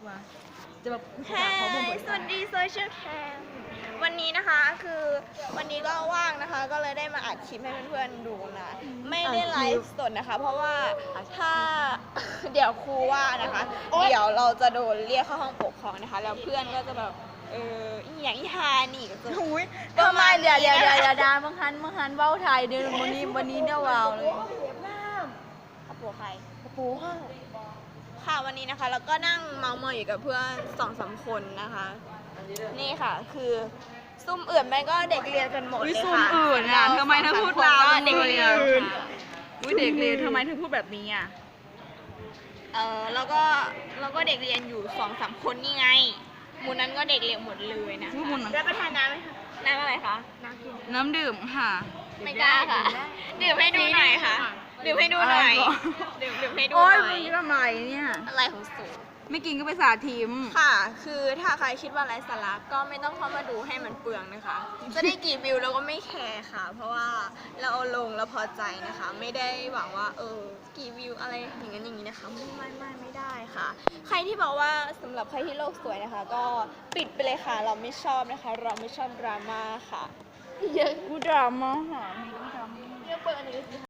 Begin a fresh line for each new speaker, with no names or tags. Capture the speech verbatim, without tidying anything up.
ว่าจะแบบ
แฮสวัสดีโซเชียลแคมวันนี้นะคะคือวันนี้ก็ว่างนะคะ ก็เลยได้มาอัดคลิปให้เพื่อนๆดูนะ ไม่ได้ไลฟ์สดนะคะ เพราะว่าถ้า เดี๋ยวครูว่านะคะ เดี๋ยวเราจะโดนเรียกเข้าห้องปกครองนะคะ แล้วเพื่อนก็จะแบบเอออหย่างอีฮานี่ก็จะ
อุ้ยทำไมเดี๋ยวเดี๋ยวเดี๋ยวเดี๋ยวดาบางคันบางคันเว้าไทยเดี๋ยววันนี้วันนี้เดี๋ยวว้าวเลย
กระโปรงใคร
โอ้โห
ค่ะวันนี้นะคะเราก็นั่งเมาส์มอยอยู่กับเพื่อนสองสามคนนะคะ นี่ค่ะคือซุ่มอื่นมันก็เด็กเรียนกันหมด
อุ้ย
เลย
ซุ่ม
ค่ะ
อื่นอ่ะทำไมเธอพูดลาว
เด็กเรียน
อื่น
ค่ะ
อุ้ยเด็กเรียนทำไมเธอพูดแบบนี้อ่ะ
เออแล้วก็แล้วก็เด็กเรียนอยู่สองสามคนนี่ไงหมู่นั้นก็เด็กเรียนหมดเลยนะ
พูดหมดนะ
รับประทานน้ำไหมคะน้ำอะไรคะน้ำกิน
น้ำดื่มค่ะ
ไม่กล้าค่ะดื่มให้ดูหน่อยค่ะดื่มให้ดูหน่อย
อะไรก่อน
ดื่มดื่มให้ดูห
โอ้ย
น่
มึ
อย
งทำไมเนี่ย
อะไรของสูง
ไม่กินก็ไปสาธิม
ค่ะ คือถ้าใครคิดว่าไร้สาระก็ไม่ต้องเข้ามาดูให้มันเปลืองนะคะ จะได้กี่วิวเราก็ไม่แคร์ค่ะ เพราะว่าเราเอาลงแล้วพอใจนะคะ ไม่ได้หวังว่าเออกี่วิวอะไรอย่างนั้นอย่างนี้นะคะ ไม่ไม่ไม่ไม่ได้ค่ะ ใครที่บอกว่าสำหรับใครที่โลกสวยนะคะ ก็ปิดไปเลยค่ะ เราไม่ชอบนะคะ เราไม่ชอบดราม่าค่ะ
เยอะกูดราม่าหามีกูดราม่า
เรียกเปิดอันนี้